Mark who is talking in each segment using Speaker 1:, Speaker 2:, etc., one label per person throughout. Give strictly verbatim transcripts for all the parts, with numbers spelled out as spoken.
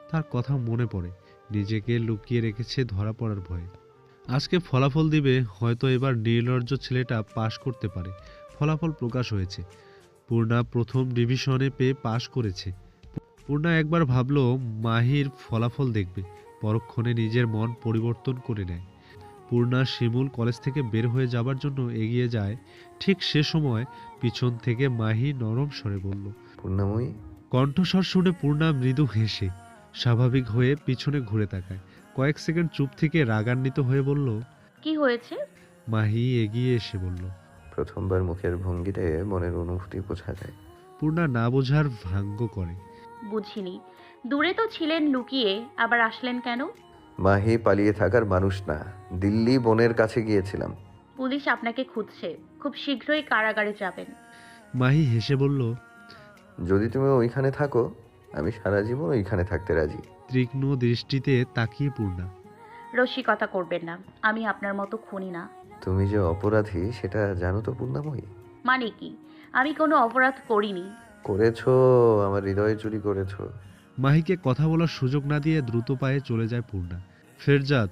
Speaker 1: তার কথা মনে পড়ে, নিজেকে লুকিয়ে রেখেছে ধরা পড়ার ভয়ে। আজকে ফলাফল দিবে, হয়তো এবার নির্লজ্জ ছেলেটা পাশ করতে পারে। ফলাফল প্রকাশ হয়েছে। পূর্ণা প্রথম ডিভিশনে পেয়ে পাশ করেছে। পূর্ণা একবার ভাবল মাহির ফলাফল দেখবে, পরক্ষণে নিজের মন পরিবর্তন করে নেয়। পূর্ণা শিমুল কলেজ থেকে বের হয়ে যাবার জন্য এগিয়ে যায়। ঠিক সে সময় পিছন থেকে মাহি নরম স্বরে বলল,
Speaker 2: পূর্ণাময়ী।
Speaker 1: কণ্ঠস্বর শুনে পূর্ণা মৃদু হেসে স্বাভাবিক হয়ে পিছনে ঘুরে তাকায়। কয়েক সেকেন্ড চুপ থেকে রাগান্বিত হয়ে বলল,
Speaker 3: কি হয়েছে?
Speaker 1: মাহি এগিয়ে এসে বলল,
Speaker 2: প্রথমবার মুখের ভঙ্গিতে মনের অনুভূতি বোঝা যায়।
Speaker 1: পূর্ণা না বোঝার ভাঙ্গ করে।
Speaker 3: বুঝিনি। দূরে তো ছিলেন লুকিয়ে, আবার আসলেন কেন?
Speaker 2: মাহি পালিয়ে থাকার মানুষ না, দিল্লি বোনের কাছে গিয়েছিলাম।
Speaker 3: পুলিশ আপনাকে খুঁজছে, খুব শীঘ্রই কারাগারে যাবেন।
Speaker 1: মাহি হেসে বলল,
Speaker 2: যদি তুমি ওইখানে থাকো, আমি সারা জীবন ওইখানে থাকতে রাজি।
Speaker 1: তীক্ষ্ণ দৃষ্টিতে তাকিয়ে পূর্ণা।
Speaker 3: রসিকতা করবেন না, আমি আপনার মতো খুনি না।
Speaker 2: তুমি যে অপরাধী সেটা জানো তো পূর্ণাময়ী?
Speaker 3: মানে কি? আমি কোনো অপরাধ করিনি।
Speaker 2: করেছো, আমার হৃদয়ে চুরি করেছো।
Speaker 1: মাহিকে কথা বলার সুযোগ না দিয়ে দ্রুত পায়ে চলে যায় পূর্ণা। ফেরজাত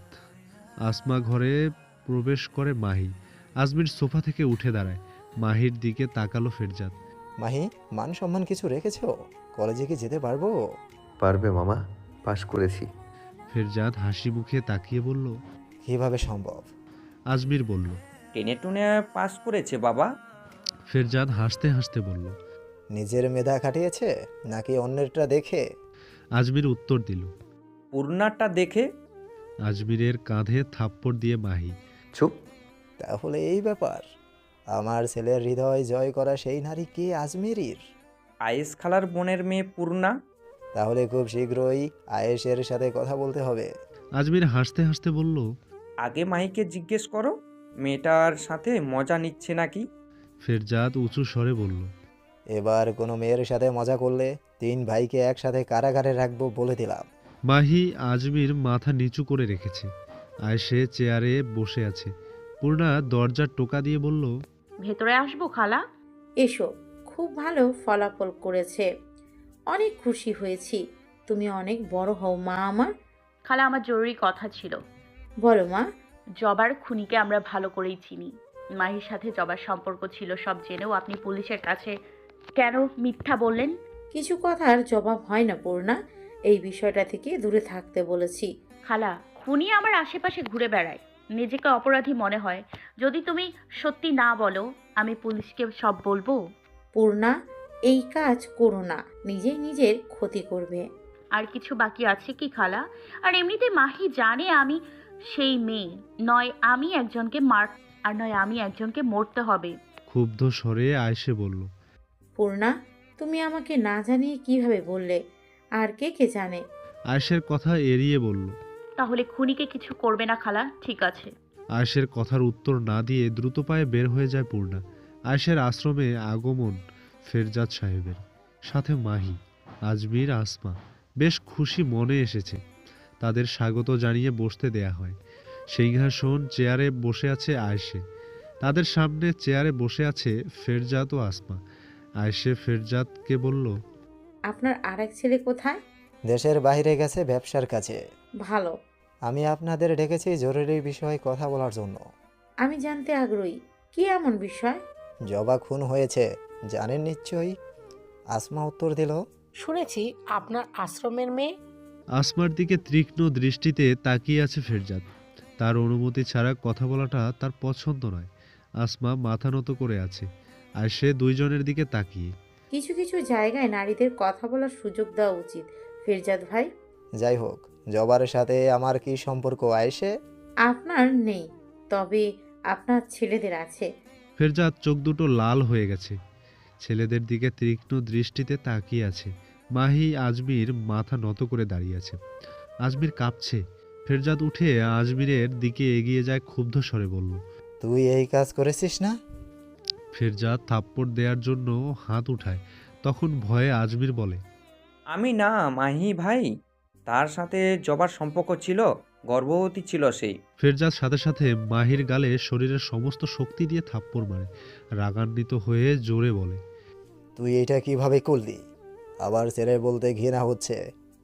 Speaker 1: আসমা ঘরে প্রবেশ করে মাহি। আজমির সোফা থেকে উঠে দাঁড়ায়। মাহির দিকে তাকালো ফেরজাত।
Speaker 4: মাহি, মান সম্মান কিছু রেখেছো? কলেজে কি যেতে পারবো?
Speaker 2: পারবে মামা, পাশ করেছি।
Speaker 1: ফেরজাত হাসি মুখে তাকিয়ে বলল,
Speaker 4: কিভাবে সম্ভব?
Speaker 1: আজমির বলল।
Speaker 5: টেনে টুনে পাস করেছে বাবা।
Speaker 1: ফেরজাত হাসতে হাসতে বলল,
Speaker 4: নিজের মেধা খাটিয়েছে নাকি অন্যেরটা দেখে?
Speaker 1: আজমির উত্তর দিল।
Speaker 5: পূর্ণাটা দেখে।
Speaker 1: আজমিরের কাঁধে থাপ্পড় দিয়ে মাহি।
Speaker 2: চুপ।
Speaker 4: তাহলে এই ব্যাপার, আমার ছেলের হৃদয় জয় করা সেই নারী কে? আজমেরির?
Speaker 5: আয়েস খালার বোনের মেয়ে পূর্ণা।
Speaker 4: তাহলে খুব শীঘ্রই আয়েশের সাথে কথা বলতে হবে।
Speaker 1: আজমির হাসতে হাসতে বলল,
Speaker 5: আগে মাহিকে জিজ্ঞেস করো মেয়েটার সাথে মজা নিচ্ছে নাকি।
Speaker 1: ফেরজাত উঁচু স্বরে বলল,
Speaker 4: এবার কোনো মেয়ের সাথে মজা করলে তিন ভাইকে একসাথে কারাগারে রাখবো বলে দিলাম।
Speaker 1: মাহি আজমির মাথা নিচু করে রেখেছে। আয়েশে চেয়ারে বসে আছে। পূর্ণা দরজার টোকা দিয়ে বলল,
Speaker 3: ভেতরে আসবো খালা?
Speaker 6: এসো, খুব ভালো ফলাফল করেছে, অনেক খুশি হয়েছি। তুমি অনেক বড় হও মা আমার।
Speaker 3: খালা, আমার জরুরি কথা ছিল।
Speaker 6: বলো মা।
Speaker 3: জবার খুনিকে আমরা ভালো করেই চিনি। মাহির সাথে জবার সম্পর্ক ছিল সব জেনেও আপনি পুলিশের কাছে কেন মিথ্যা বললেন?
Speaker 6: কিছু কথার জবাব হয় না পূর্ণা, এই বিষয়টা থেকে দূরে থাকতে বলেছি।
Speaker 3: খালা, খুনি আমার আশেপাশে ঘুরে বেড়ায়, নিজেকে অপরাধী মনে হয়। যদি তুমি সত্যি না বলো, আমি পুলিশকে সব বলবো।
Speaker 6: পূর্ণা, এই কাজ করো না, নিজেই নিজের ক্ষতি করবে।
Speaker 3: আর কিছু বাকি আছে কি খালা? আর এমনিতে মাহি জানে আমি সেই মেয়ে নয়, আমি একজনকে মার আর নয় আমি একজনকে মরতে হবে।
Speaker 1: ক্ষুব্ধ স্বরে আয়েশে বলল।
Speaker 6: পূর্ণা, তুমি আমাকে না জানিয়ে কিভাবে বললে? আর কে কে জানে?
Speaker 1: আয়েশের কথা এড়িয়ে বলল।
Speaker 3: তাহলে খুনিকে কিছু করবে না খালা, ঠিক আছে?
Speaker 1: আয়েশের কথার উত্তর না দিয়ে দ্রুত পায়ে বের হয়ে যায় পূর্ণা। আয়েশের আশ্রমে আগমন ফেরজাদ সাহেবের, সাথে মাহি, আজমির, আসমা বেশ খুশি মনে এসেছে। তাদের স্বাগত জানিয়ে বসতে দেয়া হয়। সিংহাসন চেয়ারে বসে আছে আয়েশে। তাদের সামনে চেয়ারে বসে আছে ফেরজাদ ও আসমা। আয়েশে ফেরজাদকে বলল,
Speaker 6: আপনার আরেক ছেলে কোথায়?
Speaker 4: দেশের বাইরে গেছে ব্যবসার কাছে।
Speaker 6: ভালো।
Speaker 4: আমি আপনাদের ডেকেছি জরুরি বিষয়ে কথা বলার জন্য।
Speaker 6: আমি জানতে আগ্রহী, কি এমন বিষয়?
Speaker 4: জবা খুন হয়েছে, জানেন নিশ্চয়ই। আসমা উত্তর দিল,
Speaker 7: শুনেছি আপনার আশ্রমের মেয়ে।
Speaker 1: আসমার দিকে তীক্ষ্ণ দৃষ্টিতে তাকিয়ে আছে ফেরজাদ। তার অনুমতি ছাড়া কথা বলাটা তার পছন্দ নয়। আসমা মাথা নত করে আছে, আর সে দুইজনের দিকে তাকিয়ে।
Speaker 6: কিছু কিছু জায়গায় নারীদের কথা বলার সুযোগ দেওয়া উচিত ফেরজাদ ভাই।
Speaker 4: যাই হোক, জবার সাথে আমার কি সম্পর্ক আয়েশে?
Speaker 6: আপনার নেই, তবে আপনার ছেলেদের আছে।
Speaker 1: ফেরজাদ চোখ দুটো লাল হয়ে গেছে, ছেলেদের দিকে তীক্ষ্ণ দৃষ্টিতে তাকিয়ে আছে। মাহি আজমির মাথা নত করে দাঁড়িয়ে আছে। আজমির কাঁপছে। ফেরজাদ উঠে আজমিরের দিকে এগিয়ে যায়, ক্ষুব্ধ স্বরে বলল,
Speaker 4: তুই এই কাজ করেছিস না?
Speaker 1: ফেরজাদ থাপ্পড় দেওয়ার জন্য হাত উঠায়। তখন ভয়ে আজমির বলে,
Speaker 5: আমি না মাহি ভাই, তার সাথে জবার সম্পর্ক ছিল, গর্ভবতী ছিল সেই।
Speaker 1: ফেরজাদ সাথে সাথে মাহির গালে শরীরের সমস্ত শক্তি দিয়ে থাপ্পড় মারে। রাগান্বিত হয়ে জোরে বলে,
Speaker 4: তুই এটা কিভাবে করলি? আবার ছেলে বলতে ঘৃণা হচ্ছে।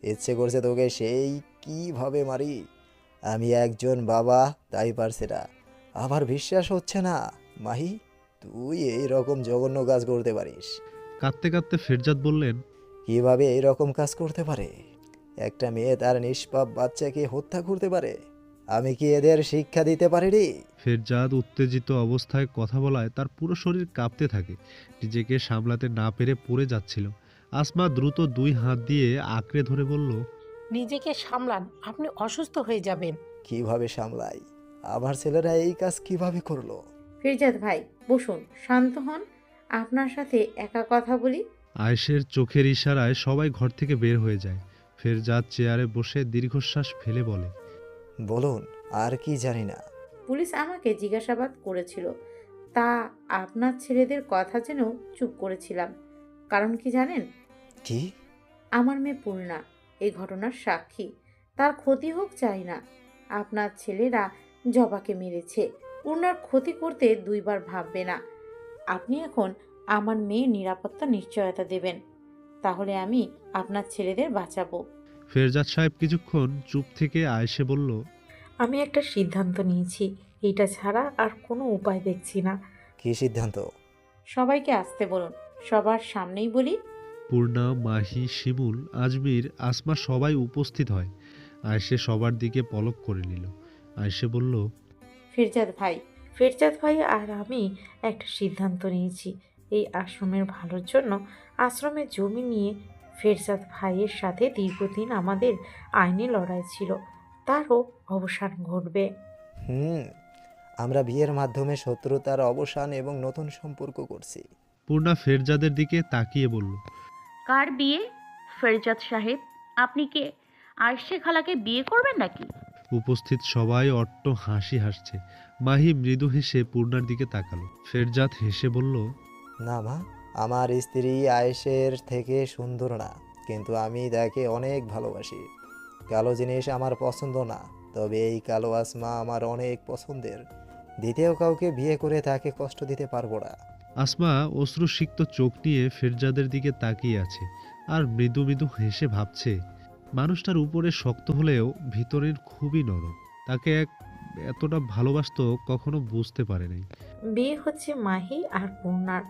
Speaker 4: ইচ্ছে করছে তোকে সেই কিভাবে মারি। আমি একজন বাবা, তাই পারছে না। আমার বিশ্বাস হচ্ছে না মাহি, তুই এই রকম জঘন্য কাজ করতে পারিস।
Speaker 1: কাঁদতে কাঁদতে ফেরজাদ বললেন,
Speaker 4: কিভাবে এই রকম কাজ করতে পারে? একটা মেয়ে তার নিষ্পাপ বাচ্চাকে হত্যা করতে পারে? আমি কি এদের শিক্ষা দিতে পারিনি?
Speaker 1: ফেরজাদ উত্তেজিত অবস্থায় কথা বলায় তার পুরো শরীর কাঁপতে থাকে, নিজেকে সামলাতে না পেরে পড়ে যাচ্ছিল। আসমা দ্রুত দুই হাত দিয়ে আঁকড়ে ধরে বলল,
Speaker 7: নিজেকে সামলান, আপনি অসুস্থ হয়ে যাবেন।
Speaker 4: কিভাবে সামলাই? আমার ছেলেরা এই কাজ কিভাবে করলো?
Speaker 6: ফিরজাদ ভাই বসুন, শান্ত হন, আপনার সাথে একা কথা বলি।
Speaker 1: আয়েশের চোখের ইশারায় সবাই ঘর থেকে বের হয়ে যায়। ফেরজাদ চেয়ারে বসে দীর্ঘশ্বাস ফেলে বলে,
Speaker 4: বলুন, আর কি জানি না।
Speaker 6: পুলিশ আমাকে জিজ্ঞাসাবাদ করেছিল, তা আপনার ছেলেদের কথা যেন চুপ করেছিলাম। কারণ কি জানেন?
Speaker 4: কি?
Speaker 6: আমার মেয়ে পূর্ণা এই ঘটনার সাক্ষী। তার ক্ষতি হোক চাই না। আপনার ছেলেরা জবাকে মেরেছে, পূর্ণার ক্ষতি করতে দুইবার ভাববে না। আপনি এখন আমার মেয়ের নিরাপত্তা নিশ্চয়তা দেবেন, তাহলে আমি আপনার ছেলেদের বাঁচাবো।
Speaker 1: ফেরজাদ সাহেব কিছুক্ষণ চুপ থেকে আয়েশে বলল,
Speaker 6: আমি একটা সিদ্ধান্ত নিয়েছি, এইটা ছাড়া আর কোনো উপায় দেখছি না।
Speaker 4: কি সিদ্ধান্ত?
Speaker 6: সবাইকে আসতে বলুন, সবার সামনেই বলি।
Speaker 1: পূর্ণা, মাহি, শিমুল, আজমির, আসমা সবাই উপস্থিত হয়। আয়েশে সবার দিকে পলক করে নিল। আয়েশে বলল,
Speaker 6: ফেরজাদ ভাই ফেরজাদ ভাই আর আমি একটা সিদ্ধান্ত নিয়েছি। এই আশ্রমের ভালোর জন্য আশ্রমের জমি নিয়ে ফেরজাদ ভাইয়ের সাথে দীর্ঘদিন আমাদের আইনি লড়াই ছিল, তারও অবসান ঘটবে।
Speaker 4: হুম, আমরা বিয়ের মাধ্যমে শত্রুতার অবসান এবং নতুন সম্পর্ক করছি।
Speaker 1: পূর্ণা ফেরজাদের দিকে তাকিয়ে বলল,
Speaker 3: কার বিয়ে? ফেরজাদ সাহেব, আপনি কে আয়েশে খালাকে বিয়ে করবেন নাকি?
Speaker 1: উপস্থিত সবাই অট্ট হাসি হাসছে। মাহি মৃদু হেসে পূর্ণার দিকে তাকালো। ফেরজাদ হেসে বলল,
Speaker 4: না মা, আমার স্ত্রী আয়েশের থেকে সুন্দর না, কিন্তু আমি তাকে অনেক ভালোবাসি। কালো জিনিস আমার পছন্দ না, তবে এই কালো আসমা আমার অনেক পছন্দের। দ্বিতীয় কাউকে বিয়ে করে তাকে কষ্ট দিতে পারবো না।
Speaker 1: আসমা অশ্রুসিক্ত চোখ নিয়ে ফেরজাদের দিকে তাকিয়ে আছে আর মৃদু মৃদু হেসে ভাবছে, মানুষটার উপরে শক্ত হলেও ভিতরের খুবই নরম। তাকে এক এতটা ভালোবাসতো কখনো বুঝতে পারে নাই।
Speaker 6: বিয়ে হচ্ছে মাহি আর পূর্ণার।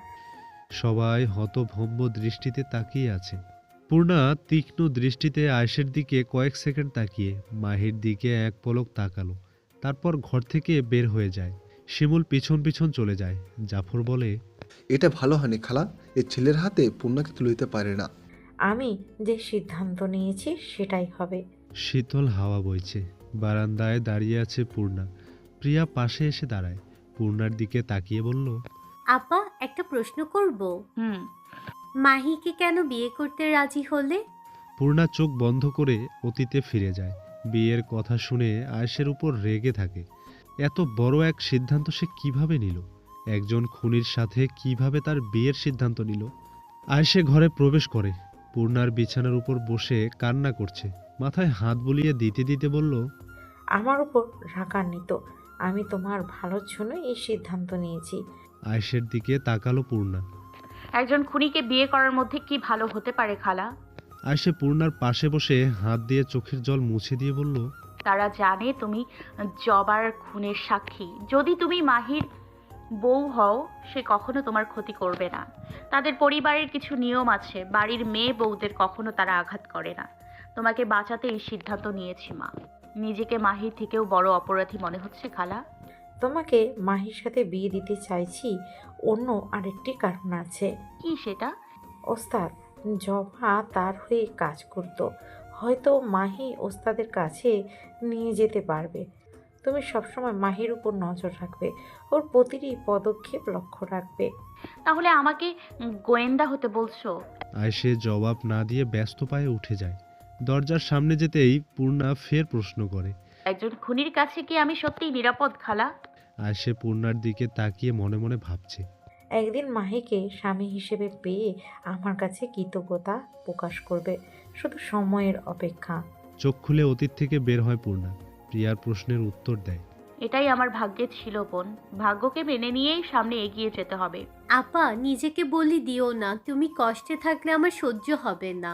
Speaker 1: সবাই হতভম্ব দৃষ্টিতে তাকিয়ে আছে। পূর্ণা তীক্ষ্ণ দৃষ্টিতে আয়েশের দিকে কয়েক সেকেন্ড তাকিয়ে মাহির দিকে এক পলক তাকালো, তারপর ঘর থেকে বের হয়ে যায়। শিমুল পিছন পিছন চলে যায়। জাফর বলে,
Speaker 8: এটা ভালো হয়নি খালা, এই ছেলের হাতে পূর্ণাকে তুলে দিতে পারে না।
Speaker 6: আমি যে সিদ্ধান্ত নিয়েছি সেটাই হবে।
Speaker 1: শীতল হাওয়া বইছে। বারান্দায় দাঁড়িয়ে আছে পূর্ণা। প্রিয়া পাশে এসে দাঁড়ায়। পূর্ণার দিকে তাকিয়ে বলল,
Speaker 9: আপা, একটা প্রশ্ন করব।
Speaker 3: হুম।
Speaker 9: মাহিকে কেন বিয়ে করতে রাজি হলে?
Speaker 1: পূর্ণা চোখ বন্ধ করে অতীতে ফিরে যায়। বিয়ের কথা শুনে আয়েশের উপর রেগে থাকে। এত বড় এক সিদ্ধান্ত সে কিভাবে নিল? একজন খুনির সাথে কিভাবে তার বিয়ের সিদ্ধান্ত নিল? আয়েশে ঘরে প্রবেশ করে। পূর্ণার বিছানার উপর বসে কান্না করছে। মাথায় হাত বুলিয়ে দিতে দিতে বলল,
Speaker 6: আমার উপর রাগান্বিত, আমি তোমার ভালোর জন্য এই সিদ্ধান্ত নিয়েছি।
Speaker 1: আয়েশের দিকে তাকালো পূর্ণা।
Speaker 3: একজন খুনিকে বিয়ে করার মধ্যে কি ভালো হতে পারে খালা?
Speaker 1: আয়েশে পূর্ণার পাশে বসে হাত দিয়ে চোখের জল মুছে দিয়ে বলল,
Speaker 3: তারা জানে তুমি জবার খুনের সাক্ষী। যদি তুমি মাহির বউ হও, সে কখনো তোমার ক্ষতি করবে না। তাদের পরিবারের কিছু নিয়ম আছে, বাড়ির মেয়ে বউদের কখনো তারা আঘাত করে না। তোমাকে বাঁচাতে এই সিদ্ধান্ত নিয়েছি মা। নিজেকে মাহির থেকেও বড় অপরাধী মনে হচ্ছে খালা?
Speaker 6: তোমাকে মাহির সাথে বিয়ে দিতে চাইছি অন্য আরেকটি কারণ আছে।
Speaker 3: কি সেটা?
Speaker 6: ওস্তাদ, জবা তার হয়ে কাজ করত, হয়তো মাহি ওস্তাদের কাছে নিয়ে যেতে পারবে। তুমি সবসময় মাহির উপর নজর রাখবে, ওর প্রতিটি পদক্ষেপ লক্ষ্য রাখবে।
Speaker 3: তাহলে আমাকে গোয়েন্দা হতে বলছো?
Speaker 1: আয়েশে জবাব না দিয়ে ব্যস্ত পায়ে উঠে যায়। দরজার সামনে যেতেই পূর্ণা ফের প্রশ্ন করে,
Speaker 3: একজন খুনির কাছে কি আমি সত্যিই নিরাপদ খালা?
Speaker 1: আয়েশে পূর্ণার দিকে তাকিয়ে মনে মনে ভাবছে,
Speaker 6: একদিন মাহিকে স্বামী হিসেবে পেয়ে আমার কাছে কৃতজ্ঞতা প্রকাশ করবে, শুধু সময়ের অপেক্ষা।
Speaker 1: চোখ খুলে অতীত থেকে বের হয় পূর্ণা। প্রিয়ার প্রশ্নের উত্তর দেয়,
Speaker 3: এটাই আমার ভাগ্যে ছিল বোন। ভাগ্যকে মেনে নিয়েই সামনে এগিয়ে যেতে হবে।
Speaker 9: আপা, নিজেকে বলি দিও না, তুমি কষ্টে থাকলে আমার সহ্য হবে না।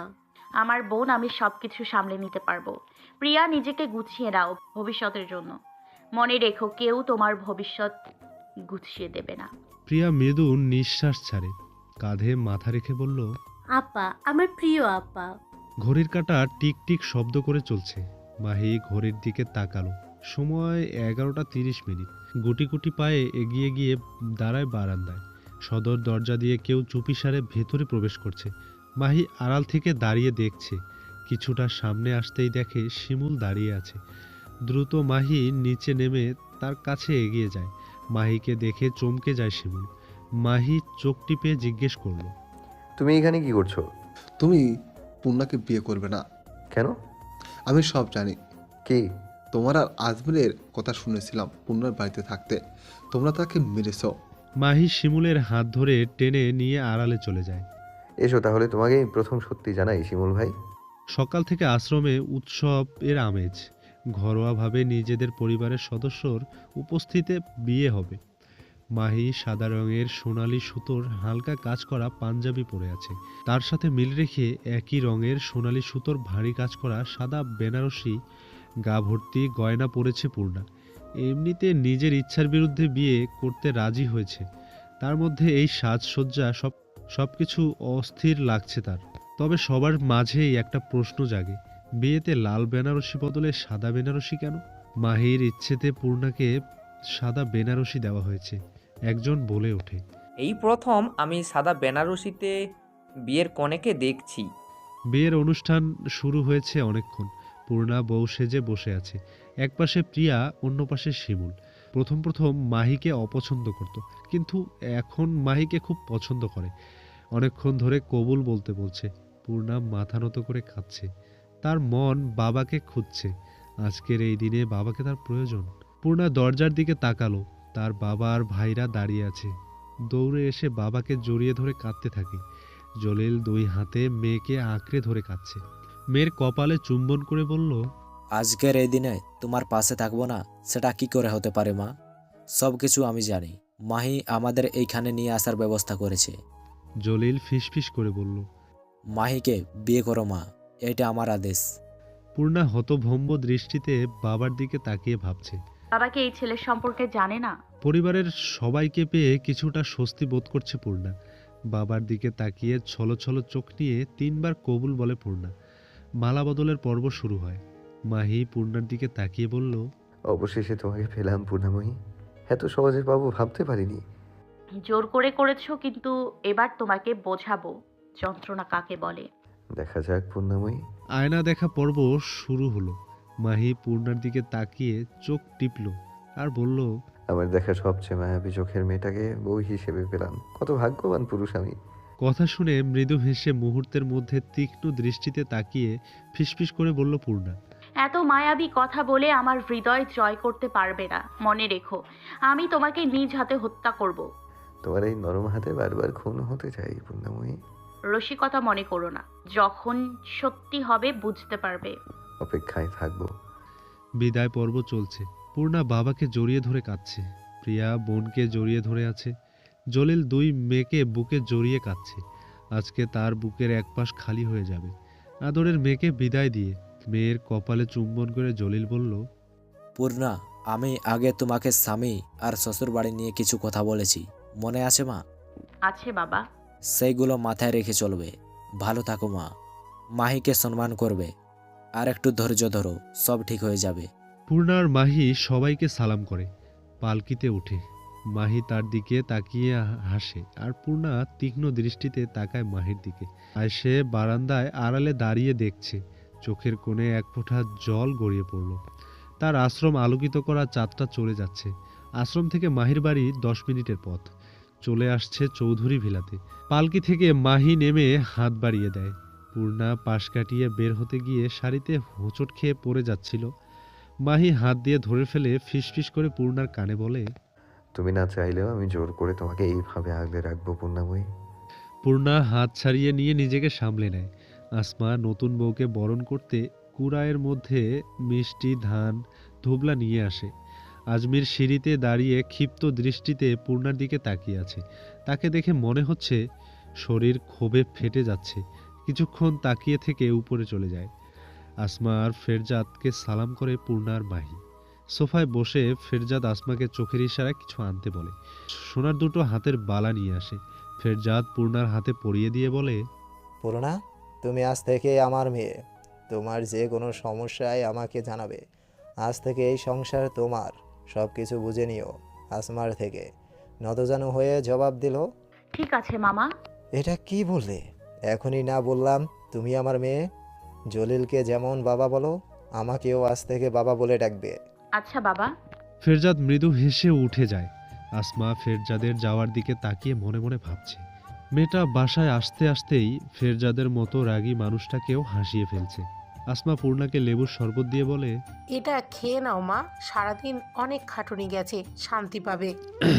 Speaker 3: আমার বোন, আমি সব কিছু সামলে নিতে পারবো। প্রিয়া, নিজেকে গুছিয়ে নাও ভবিষ্যতের জন্য। মনে রেখো, কেউ তোমার ভবিষ্যৎ গুছিয়ে দেবে না।
Speaker 1: প্রিয়া মৃদু নিঃশ্বাস ছাড়ে, কাঁধে মাথা রেখে বলল,
Speaker 9: আপা, আমার প্রিয় আপা।
Speaker 1: ঘড়ির কাঁটা টিক টিক শব্দ করে চলছে। মাহি ঘড়ির দিকে তাকালো। সময় এগারোটা তিরিশ মিনিট। গুটি গুটি পায়ে এগিয়ে গিয়ে দাঁড়ায় বারান্দায়। সদর দরজা দিয়ে কেউ চুপিসারে ভেতরে প্রবেশ করছে। মাহি আড়াল থেকে দাঁড়িয়ে দেখছে। কিছুটা সামনে আসতেই দেখে শিমুল দাঁড়িয়ে আছে। দ্রুত মাহি নিচে নেমে তার কাছে এগিয়ে যায়। মাহিকে দেখে চমকে যায় শিমুল। মাহি চোখ টিপে জিজ্ঞেস করলো,
Speaker 2: তুমি এখানে কি করছো?
Speaker 8: তুমি পূর্ণাকে বিয়ে করবে না।
Speaker 2: কেন?
Speaker 8: আমি সব জানি।
Speaker 2: কি?
Speaker 8: তোমার আর আজমিরের কথা শুনেছিলাম পূর্ণার বাড়িতে থাকতে। তোমরা তাকে মেরেছ।
Speaker 1: মাহি শিমুলের হাত ধরে টেনে নিয়ে আড়ালে চলে যায়।
Speaker 2: এসো তাহলে, তোমাকে প্রথম সত্যি জানাই শিমুল ভাই।
Speaker 1: সকাল থেকে আশ্রমে উৎসব এর আমেজ। ঘরোয়াভাবে নিজেদের পরিবারের সদস্যর উপস্থিতিতে বিয়ে হবে। মাহি সাদা রঙের সোনালি সুতোর হালকা কাজ করা পাঞ্জাবি পরে আছে। তার সাথে মিল রেখে একই রঙের সোনালি সুতোর ভারী কাজ করা সাদা বেনারসি গা ভর্তি গয়না পরেছে পূর্ণা। এমনিতে নিজের ইচ্ছার বিরুদ্ধে বিয়ে করতে রাজি হয়েছে। তার মধ্যে এই সাজসজ্জা সব সব কিছু অস্থির লাগছে তার। তবে সবার মাঝেই একটা প্রশ্ন জাগে, বিয়েতে লাল বেনারসি বদলে সাদা বেনারসি কেন? মাহির ইচ্ছেতে পূর্ণাকে সাদা বেনারসি দেওয়া হয়েছে। একজন বলে ওঠে,
Speaker 5: এই প্রথম আমি সাদা বেনারসিতে বিয়ের কনেকে দেখছি।
Speaker 1: বিয়ের অনুষ্ঠান শুরু হয়েছে অনেকক্ষণ। পূর্ণা বউ সেজে বসে আছে। এক পাশে প্রিয়া, অন্য পাশে শিমুল। প্রথম প্রথম মাহিকে অপছন্দ করত, কিন্তু এখন মাহিকে খুব পছন্দ করে। অনেকক্ষণ ধরে কবুল বলতে বলছে। পূর্ণা মাথা নত করে খাচ্ছে। তার মন বাবাকে খুঁজছে। আজকের এই দিনে বাবাকে তার প্রয়োজন। পূর্ণা দরজার দিকে তাকালো। তার বাবা আর ভাইরা দাঁড়িয়ে আছে। দৌড়ে এসে বাবাকে জড়িয়ে ধরে কাঁদতে থাকে। জলিল দুই হাতে মেয়েকে আঁকড়ে ধরে কাঁদছে। মেয়ের কপালে চুম্বন করে বলল,
Speaker 10: আজকের এই দিনে তোমার পাশে থাকবো না, সেটা কি করে হতে পারে মা? সব কিছু আমি জানি। মাহি আমাদের এইখানে নিয়ে আসার ব্যবস্থা করেছে।
Speaker 1: জলিল ফিসফিস করে বলল,
Speaker 10: মাহিকে বিয়ে করো মা, এটা আমার আদেশ।
Speaker 1: পূর্ণা হতভম্ব দৃষ্টিতে বাবার দিকে তাকিয়ে ভাবছে।
Speaker 3: বাবাকে এই ছেলের সম্পর্কে জানে না।
Speaker 1: পরিবারের সবাইকে পেয়ে কিছুটা স্বস্তি বোধ করছে পূর্ণা। বাবার দিকে তাকিয়ে ছলো ছলো চোখ নিয়ে তিনবার কবুল বলে পূর্ণা। মালা বদলের পর্ব শুরু হয়। মাহি পূর্ণার দিকে তাকিয়ে বলল,
Speaker 2: অবশেষে তোমাকে পেলাম পূর্ণাময়ী। এত সহজে পাবো ভাবতে পারিনি।
Speaker 3: জোর করে করেছো, কিন্তু এবার তোমাকে বোঝাবো যন্ত্রণা কাকে বলে।
Speaker 2: দেখা যাক পূর্ণাময়ী।
Speaker 1: আয়না দেখা পর্ব শুরু হলো। মাহি পূর্ণার দিকে তাকিয়ে চোখ টিপল আর বলল,
Speaker 2: আমার দেখা সবচেয়ে মায়াবী চোখের মেয়েটাকে বউ হিসেবে পেলাম। কত ভাগ্যবান পুরুষ আমি।
Speaker 1: কথা শুনে মৃদু হেসে মুহূর্তের মধ্যে তীক্ষ্ণ দৃষ্টিতে তাকিয়ে ফিসফিস করে বলল পূর্ণা,
Speaker 3: এত মায়াবী কথা বলে আমার হৃদয় জয় করতে পারবে না। মনে রেখো, আমি তোমাকে নিজ হাতে হত্যা করব।
Speaker 2: তোমার এই নরম হাতে বারবার খুন হতে চাই পূর্ণাময়ী।
Speaker 3: রসিকতা মনে করো না, যখন সত্যি হবে বুঝতে পারবে।
Speaker 2: অপেক্ষায় থাকবো।
Speaker 1: বিদায় পর্ব চলছে। পূর্ণা বাবাকে জড়িয়ে ধরে কাঁদছে। প্রিয়া বোনকে জড়িয়ে ধরে আছে। জলিল দুই মেয়েকে বুকে জড়িয়ে কাঁদছে। আজকে তার বুকের এক পাশ খালি হয়ে যাবে। আদরের মেয়েকে বিদায় দিয়ে মেয়ের কপালে চুম্বন করে জলিল বলল,
Speaker 10: পূর্ণা, আমি আগে তোমাকে স্বামী আর শ্বশুর বাড়ি নিয়ে কিছু কথা বলেছি, মনে আছে মা?
Speaker 3: আছে বাবা।
Speaker 10: সেইগুলো মাথায় রেখে চলবে। ভালো থাকো মা। মাহিকে সম্মান করবে। আর একটু ধৈর্য ধরো, সব ঠিক হয়ে যাবে।
Speaker 1: পূর্ণার মাহি সবাইকে সালাম করে। পালকিতে ওঠে। মাহি তার দিকে তাকিয়ে হাসে আর পূর্ণা তীক্ষ্ণ দৃষ্টিতে তাকায় মাহির দিকে। আর সে বারান্দায় আড়ালে দাঁড়িয়ে দেখছে। চোখের কোণে এক ফোঁটা জল গড়িয়ে পড়ল। তার আশ্রম আলোকিত করা চাঁদটা চলে যাচ্ছে। আশ্রম থেকে মাহির বাড়ি দশ মিনিটের পথ। চলে আসছে চৌধুরী ভিলাতে। পালকি থেকে মাহি নেমে হাত বাড়িয়ে দেয়। পূর্ণা পাশ কাটিয়ে বের হতে গিয়ে শাড়িতে হোঁচট খেয়ে পড়ে যাচ্ছিল। মাহি হাত দিয়ে ধরে ফেলে ফিসফিস করে পূর্ণার কানে বলে,
Speaker 2: তুমি না চাইলেও আমি জোর করে তোমাকে এইভাবে আগলে রাখবো পূর্ণাময়ী।
Speaker 1: পূর্ণা হাত ছাড়িয়ে নিয়ে নিজেকে সামলে নেয়। আসমা নতুন বউকে বরণ করতে কুড়ায়ের মধ্যে মিষ্টি, ধান, ধুবলা নিয়ে আসে। আজমির সিঁড়িতে দাঁড়িয়ে ক্ষিপ্ত দৃষ্টিতে পূর্ণার দিকে তাকিয়ে আছে। তাকে দেখে মনে হচ্ছে শরীর ক্ষোভে ফেটে যাচ্ছে, কিছুক্ষণ তাকিয়ে থেকে উপরে চলে যায়। আসমা আর ফেরজাদকে সালাম করে পূর্ণা আর মাহি। সোফায় বসে ফেরজাদ আসমাকে চোখের ইশারায় কিছু আনতে বলে। সোনার দুটো হাতের বালা নিয়ে আসে। ফেরজাদ পূর্ণার হাতে পরিয়ে দিয়ে বলে,
Speaker 4: পূর্ণা, তুমি আজ থেকে আমার মেয়ে। তোমার যে কোনো সমস্যায় আমাকে জানাবে। আজ থেকে এই সংসার তোমার। সব কিছু বুঝে নিও। আসমার থেকে নতজানু হয়ে জবাব দিল,
Speaker 3: ঠিক আছে মামা।
Speaker 4: এটা কি বললে? এখনই না বললাম তুমি আমার মেয়ে? জলিলকে যেমন বাবা বলো, আমাকেও আজ থেকে বাবা বলে ডাকবে।
Speaker 3: আচ্ছা বাবা।
Speaker 1: ফেরজাদ মৃদু হেসে উঠে যায়। আসমা ফেরজাদের যাওয়ার দিকে তাকিয়ে মনে মনে ভাবছে, মেয়েটা বাসায় আসতে আসতেই ফেরজাদের মতো রাগী মানুষটাকেও হাসিয়ে ফেলছে। আসমা পূর্ণাকে লেবুর শরবত দিয়ে বলে,
Speaker 7: এটা খেয়ে নাও মা, সারাদিন অনেক খাটুনি গেছে, শান্তি পাবে।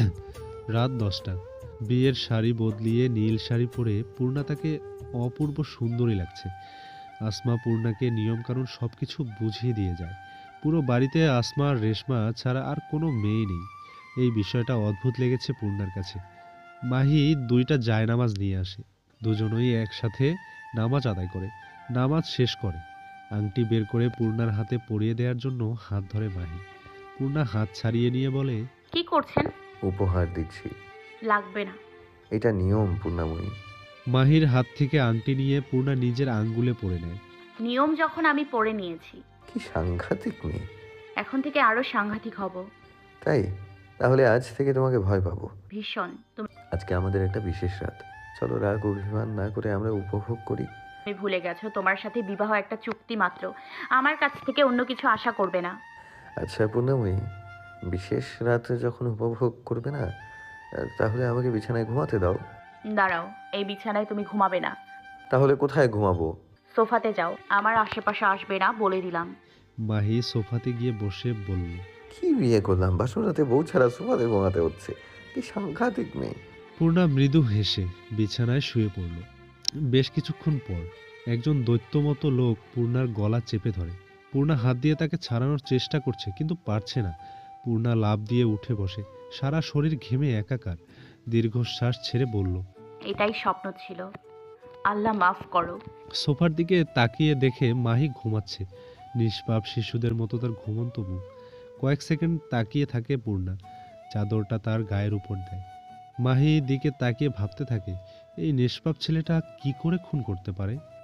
Speaker 1: রাত দশটা। বিয়ের শাড়ি বদলিয়ে নীল শাড়ি পরে পূর্ণা তাকে অপূর্ব সুন্দরী লাগছে। আসমা পূর্ণাকে নিয়মকানুন সব কিছু বুঝিয়ে দিয়ে যায়। পুরো বাড়িতে আসমা আর রেশমা ছাড়া আর কোনো মেয়ে নেই। এই বিষয়টা অদ্ভুত লেগেছে পূর্ণার কাছে। মাহি দুইটা জায়নামাজ নিয়ে আসে। দুজনেই একসাথে নামাজ আদায় করে। নামাজ শেষ করে আংটি বের করে পূর্ণার হাতে পরিয়ে দেওয়ার জন্য হাত ধরে মাহি। পূর্ণা হাত ছাড়িয়ে নিয়ে বলে,
Speaker 3: কি করছেন?
Speaker 2: উপহার দিচ্ছি।
Speaker 3: লাগবে না।
Speaker 2: এটা নিয়ম পূর্ণাময়ী।
Speaker 1: মাহির হাত থেকে আংটি নিয়ে পূর্ণা নিজের আঙ্গুলে পরে নেয়।
Speaker 3: নিয়ম যখন আমি পড়ে নিয়েছি,
Speaker 2: কি সাংঘাতিক মেয়ে।
Speaker 3: এখন থেকে আরো সাংঘাতিক হব।
Speaker 2: তাই? তাহলে আজ থেকে তোমাকে ভয় পাবো।
Speaker 3: ভীষণ। তুমি
Speaker 2: আজকে আমাদের একটা বিশেষ রাত। চলো রাগ অভিমান না করে আমরা উপভোগ করি।
Speaker 3: ভুলে গেছো তোমার সাথে বিবাহ একটা চুক্তি মাত্র। আমার কাছ থেকে অন্য কিছু আশা করবে না।
Speaker 2: আচ্ছা পূর্ণাময়ী, বিশেষ রাতে যখন উপভোগ করবে না, তাহলে আমাকে বিছানায় ঘুমাতে দাও।
Speaker 3: দাঁড়াও, এই বিছানায় তুমি ঘুমাবে না।
Speaker 2: তাহলে কোথায় ঘুমাবো?
Speaker 3: সোফাতে যাও, আমার আশেপাশে আসবে না বলে দিলাম।
Speaker 1: মাহি সোফাতে গিয়ে বসে বলল,
Speaker 2: কি বিয়ে করলাম, বাসর রাতে বউ ছাড়া সোফাতে ঘুমাতে হচ্ছে। কি সাংঘাতিক মেয়ে।
Speaker 1: পূর্ণা মৃদু হেসে বিছানায় শুয়ে পড়ল। বেশ কিছুক্ষণ পর একজন দৈত্যমতো লোক পূর্ণার গলা চেপে ধরে। পূর্ণা হাত দিয়ে তাকে ছাড়ানোর চেষ্টা করছে, কিন্তু পারছে না। পূর্ণা লাফ দিয়ে উঠে বসে, সারা শরীর ঘেমে একাকার। দীর্ঘশ্বাস ছেড়ে বলল,
Speaker 3: এটাই স্বপ্ন ছিল, আল্লাহ মাফ করো।
Speaker 1: সোফার দিকে তাকিয়ে দেখে মাহি ঘুমাচ্ছে। নিষ্পাপ শিশুদের মতো তার ঘুমন্ত মুখ। কয়েক সেকেন্ড তাকিয়ে থাকে পূর্ণা। চাদরটা তার গায়ের উপর দেয়। মাহি দিকে তাকিয়ে ভাবতে থাকে, এই নিষ্পাপ ছেলেটা কি করে খুন করতে পারে।